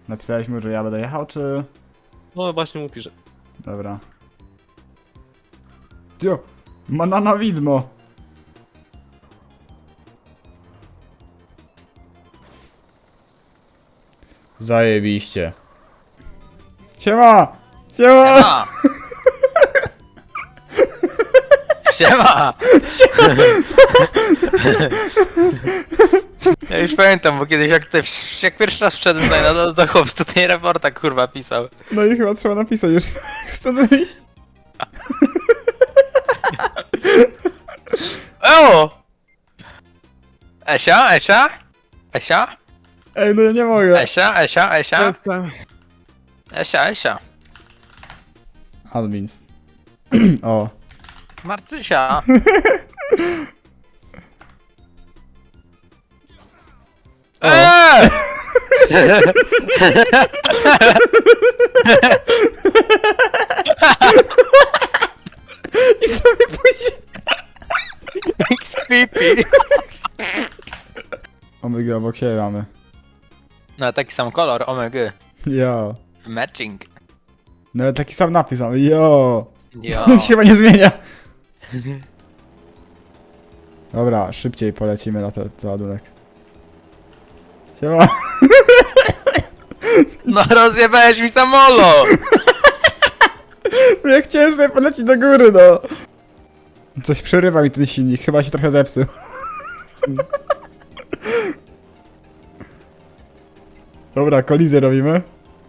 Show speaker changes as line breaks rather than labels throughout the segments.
Napisałeś mu, że ja będę jechał, czy...
No właśnie mu piszę.
Dobra. Cio! Manana widmo! Zajebiście. Siema! Siema!
Siema! Ja już pamiętam, bo kiedyś jak pierwszy raz wszedłem tutaj do chłop tutaj reporta kurwa pisał.
No i chyba trzeba napisać już, jak stąd wyjść.
O! Esia? Esia? Esia?
Ej, no ja nie mogę.
Esia? Esia? Esia?
Jestem.
Esia? Esia?
Admins. O.
Marcysia? Eee!
I sobie pójdzie.
XPP.
Omega obok siebie mamy.
No taki sam kolor, omega.
Jo.
Matching.
No ale taki sam napis mamy, jo.
Jo.
On się chyba nie zmienia. Dobra, szybciej polecimy na ten ładunek. Siema.
No rozjebałeś mi samolo!
No ja chciałem sobie polecieć do góry, no. Coś przerywa mi ten silnik, chyba się trochę zepsuł. Dobra, kolizję robimy.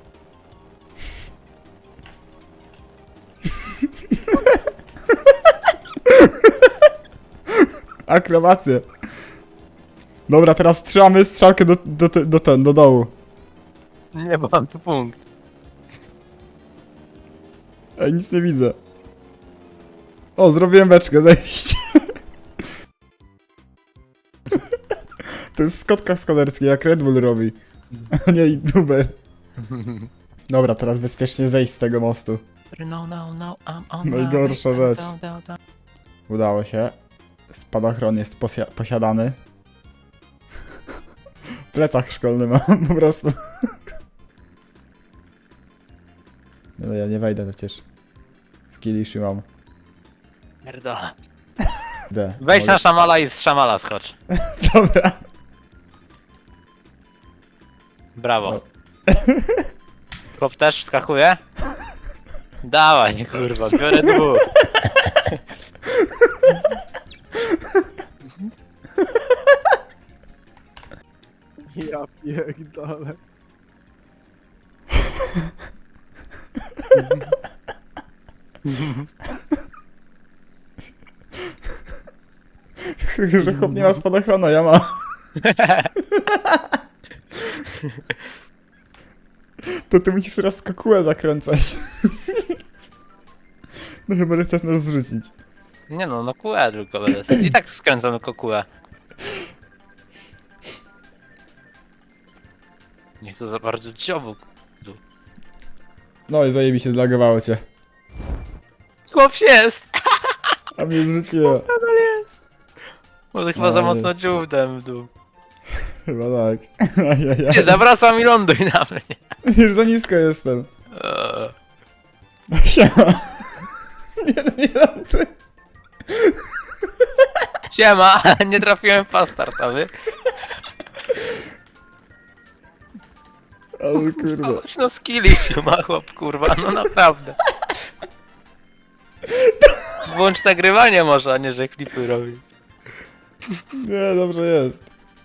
Akrobację. Dobra, teraz trzymamy strzałkę do dołu.
Nie mam tu punkt.
Ej, nic nie widzę. O, zrobiłem beczkę, zajebiście. To jest skotka skaderski, jak Red Bull robi. A nie youtuber. Dobra, teraz bezpiecznie zejść z tego mostu.
No, I'm on
Najgorsza
my way.
rzecz. Udało się. Spadochron jest posiadany. Plecak szkolny mam po prostu. No ja nie wejdę przecież. Skillishi mam.
Pierdolę.
D.
Wejdź na szamala i z szamala skocz.
Dobra.
Brawo. Chłop też wskakuje? Dawaj, kurwa, biorę dwóch.
Ja pierdolę.
Że chłop nie ma spadochronu, ja mam. To ty musisz teraz kokułę zakręcać. No chyba, że chcesz nas zrzucić.
Nie no, no kółę tylko będę. I tak skręcam tylko kółę. Niech to za bardzo dziobu.
No i zajebiście zlagowało cię.
Chłop się jest!
A mnie zrzuciło.
Nadal jest! Może chyba za mocno dziubdem w dół.
Chyba tak. Ajajaj.
Nie, zawracam i ląduj na mnie.
Już za nisko jestem.
Eee.
Siema. Nie, no nie dam ty.
Siema, nie trafiłem w pas startowy.
Ale kurwa.
Kogoś no skilli się ma chłop, kurwa, no naprawdę. Włącz nagrywanie może, a nie że klipy robi.
Nie, dobrze jest.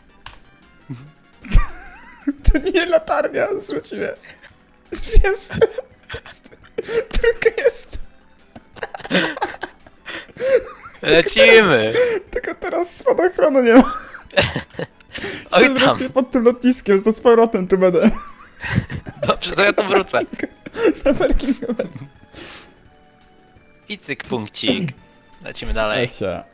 To nie latarnia, zrzuci mnie. Jest. Tylko jest.
Lecimy!
Tylko teraz spadochronu nie ma.
Oj
Się
tam,
zrespię pod tym lotniskiem, to z powrotem tu będę.
dobrze, to ja to wrócę.
Na parkingu będę.
I cyk punkcik. Lecimy dalej.
Lesia.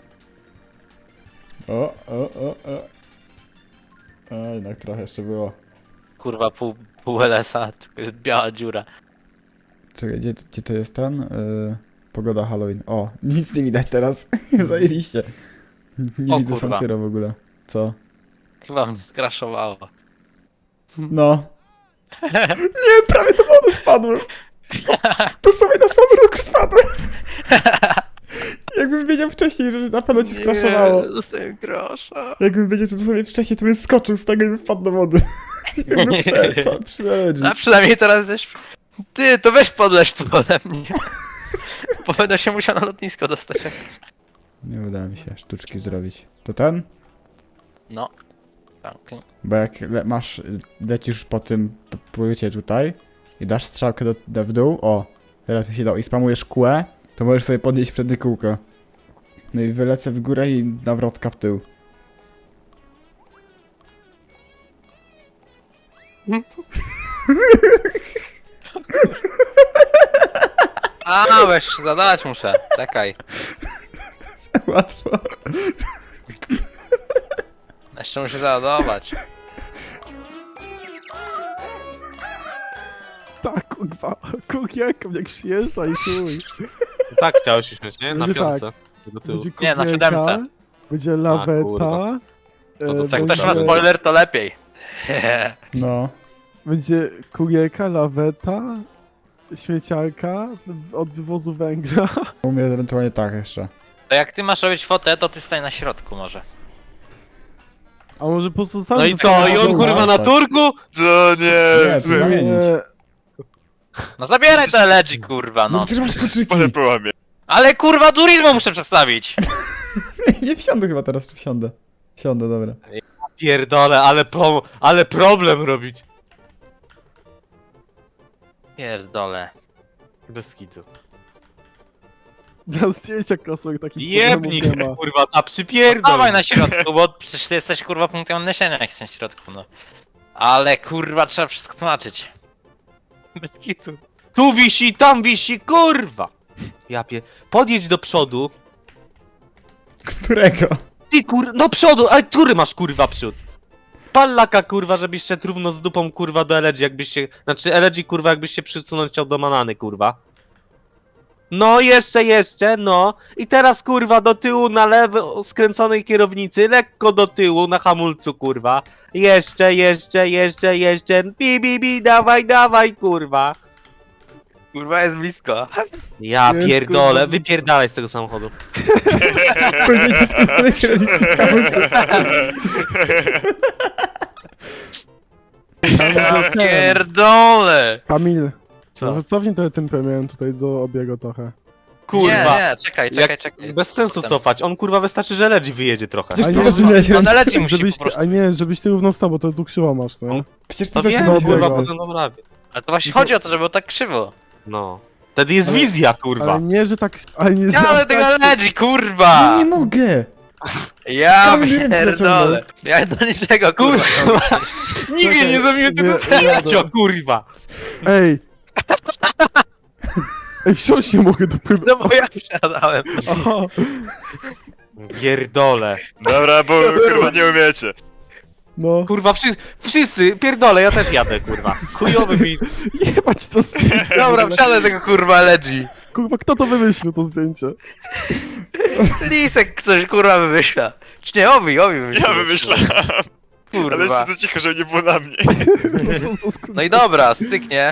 O. A, jednak trochę jeszcze było.
Kurwa, pół LS-a, tylko jest biała dziura.
Czekaj, gdzie to jest ten? Pogoda Halloween. O, nic nie widać teraz. Zajebiście. Nie
O
widzę
kurwa.
Sanfiero w ogóle. Co?
Chyba mnie skraszowało.
No. Nie, prawie do wody wpadłem. Tu sobie na sam róg spadłem. Jakbym wiedział wcześniej, że na pewno ci skraszowało.
Zostałem grosza.
Jakbym wiedział, że to sobie wcześniej, to bym skoczył z tego i bym wpadł do wody. Jakby przyleci.
A przynajmniej teraz też... Ty, to weź podleż tu ode mnie. Bo będę się musiał na lotnisko dostać.
Nie uda mi się sztuczki zrobić. To ten?
No. Tak.
Bo jak lecisz po tym płycie tutaj i dasz strzałkę w dół, o, teraz mi się dało, i spamujesz kółę, to możesz sobie podnieść wtedy kółko. No i wylecę w górę i nawrotka w tył.
A, weź zadać muszę. Czekaj.
Łatwo.
Jeszcze muszę załadować.
Tak, kurwa, kukielka jak przyjeżdża i chuj.
Tak chciałeś śmiać, nie? Na
Będzie
piątce. Do tyłu.
Będzie
Nie, na
kukielka,
siódemce.
Będzie
kurwa.
laweta.
No to
Jak
Będzie-
ktoś ma spoiler, to lepiej.
No.
Będzie kukielka, laweta, śmieciarka od wywozu węgla.
U mnie ewentualnie tak jeszcze.
To jak ty masz robić fotę, to ty stań na środku może.
A może po prostu sam
No i
to
co?
sobie
I on
założy?
kurwa na turku?
To nie,
Nie,
zły.
zamienić.
No zabieraj to LG, kurwa,
No
no.
przecież masz
Parę
kluczyki.
połamie.
Ale kurwa, turizmu muszę przedstawić.
Nie wsiądę chyba teraz, czy wsiądę. Wsiądę, dobra.
Pierdolę, ale problem robić.
Pierdolę.
Bez kitu.
Na zdjęcia krosek takich
Jebnik,
problemów nie ma.
kurwa, a przypierdol.
Stawaj na środku, bo przecież ty jesteś kurwa punktem odniesienia, jak jesteś na środku, no. Ale kurwa, trzeba wszystko tłumaczyć. Bez kicu.
Tu wisi, tam wisi, kurwa. Podjedź do przodu.
Którego?
Ty do przodu, a który masz kurwa przód? Pallaka kurwa, żebyś szedł równo z dupą kurwa do LG, jakbyś się... Znaczy LG kurwa, jakbyś się przysunąć chciał do manany kurwa. No jeszcze, no. I teraz kurwa do tyłu na lewo skręconej kierownicy, lekko do tyłu na hamulcu kurwa. Jeszcze. Bi, dawaj kurwa.
Kurwa, jest blisko.
Ja
Jest,
pierdolę,
kurwa.
wypierdalaj z tego samochodu.
Powiedzieć do sklepu kierownicy w hamulcu.
Ja pierdolę.
Kamil,
Co?
może cofnij trochę tym premierem tutaj do obiegu trochę.
Kurwa.
Nie, czekaj.
Bez sensu cofać, on kurwa wystarczy, że LG wyjedzie trochę.
Przecież
A
ty
nie,
zrozumiałeś
No
ręce.
na LG musi
Żebyś,
po prostu.
a nie, żebyś ty równo stał, bo to tu krzywo masz, nie?
Przecież ty
To wiem,
zrozumiałeś
kurwa,
kurwa,
ręce.
potem naprawię.
Ale to właśnie chodzi o to, żeby było tak krzywo.
No. Wtedy jest wizja, kurwa.
Ale nie, że tak, ale nie, że
Ja ale
aż
tego
tak-
LG, kurwa!
No nie mogę!
Ja
Kamil ręce
pierdolę. Ja do niczego, kurwa.
Nigdy nie zrobiłem tego
Nie,
cecio, kurwa.
Ej! Ej, wsiąść nie mogę do pymy.
No bo ja wsiadałem.
Aha,
Pierdolę.
Dobra, bo kurwa nie umiecie.
no.
Kurwa, wszyscy, pierdolę, ja też jadę, kurwa. Chujowy mi.
Jebać to zdjęcie.
Dobra, wsiadę tego kurwa LG.
Kurwa, kto to wymyślił, to zdjęcie?
Lisek coś kurwa wymyśla. Czy nie, Owi wymyślił.
Ja wymyślałem. Ale
Kurwa.
jeszcze to cicho, żeby nie było na mnie.
No, co, co,
No i dobra, styknie.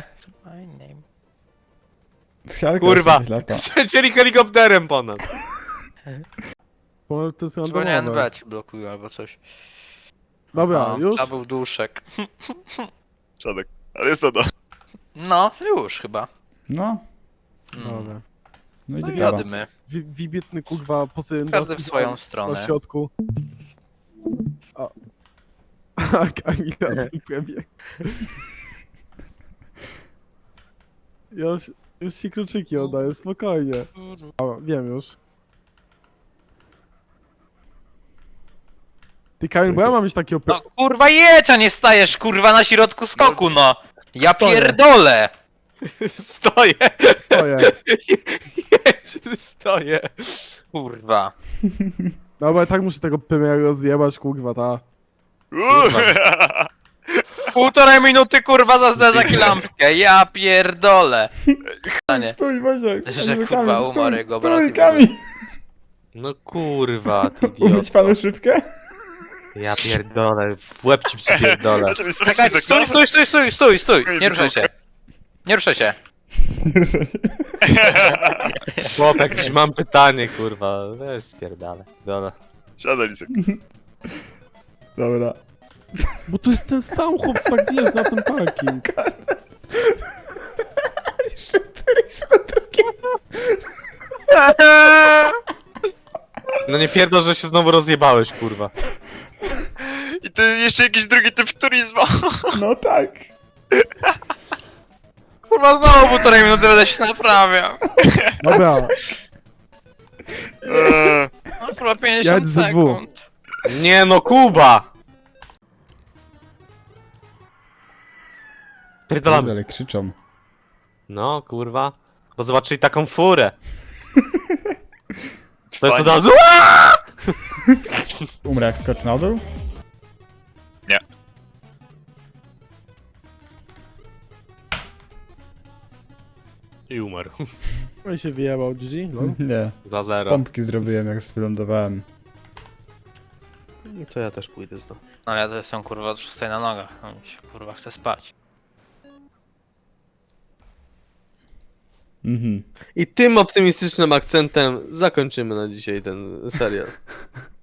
Siarka
Kurwa.
jeszcze lata.
Przecięli helikopterem po nas.
Bo to jest
Powinienem
randomowe.
brać, blokuj albo coś.
Dobra,
O,
już?
To był duszek.
Szadek. Ale jest to do.
No, już chyba.
No.
Dobra.
No i
No
dobra.
jadmy.
Wibietny kurwa posył
Każdy w swoją stronę.
na środku. A Kamila ten premier. Już ci kluczyki oddaję, spokojnie. A, wiem już. Ty Kamil, bo ja mam mieć takiego...
No kurwa jedź, a nie stajesz kurwa na środku skoku, no. Ja
Stoję.
pierdolę.
Stoję.
Stoję.
Stoję.
Kurwa.
Dobra, tak muszę tego premiera rozjebać, kurwa, ta.
Półtorej minuty kurwa za zderzak i lampkę. Ja pierdolę. Nie.
Stój, Boziek!
Że
Kamil,
kurwa
stój,
umarł jego brat
Stój,
i
Kamil!
No kurwa, ty
Umyć
idioto.
panu szybkę?
Ja pierdolę, w łeb ci przypierdolę.
Znaczy, słuchaj,
Czekaj,
Izak,
stój,
no.
stój, stój, stój, stój, stój!
Okej,
Nie ruszaj się. Nie ruszaj się.
Chłop, jakieś mam pytanie, kurwa. Weź spierdalę. Dobra.
Siadaj, Izak.
Dobra.
Bo tu jest ten sam chłop, co tak wjeżdża na ten parking.
Jeszcze któryś z drugiego.
No nie pierdol, że się znowu rozjebałeś, kurwa.
I ty jeszcze jakiś drugi typ turizmu.
No tak.
Kurwa, znowu 1,5 minuty będę się naprawiał.
Dobra,
No, kurwa, 50
Jedź ze dwóch.
sekund.
Nie no, Kuba! Pierdolamy.
Ale krzyczą.
No, kurwa. Bo zobaczyli taką furę. To jest
Fajnie.
od razu...
Umrę jak skocz na dół?
I umarł.
no i się wyjebał, GG, no.
Nie.
Za 0.
Pompki zrobiłem jak wylądowałem.
To ja też pójdę znowu.
No ja to jestem kurwa od 6 na nogach. No mi się kurwa chce spać.
Mhm.
I tym optymistycznym akcentem zakończymy na dzisiaj ten serial.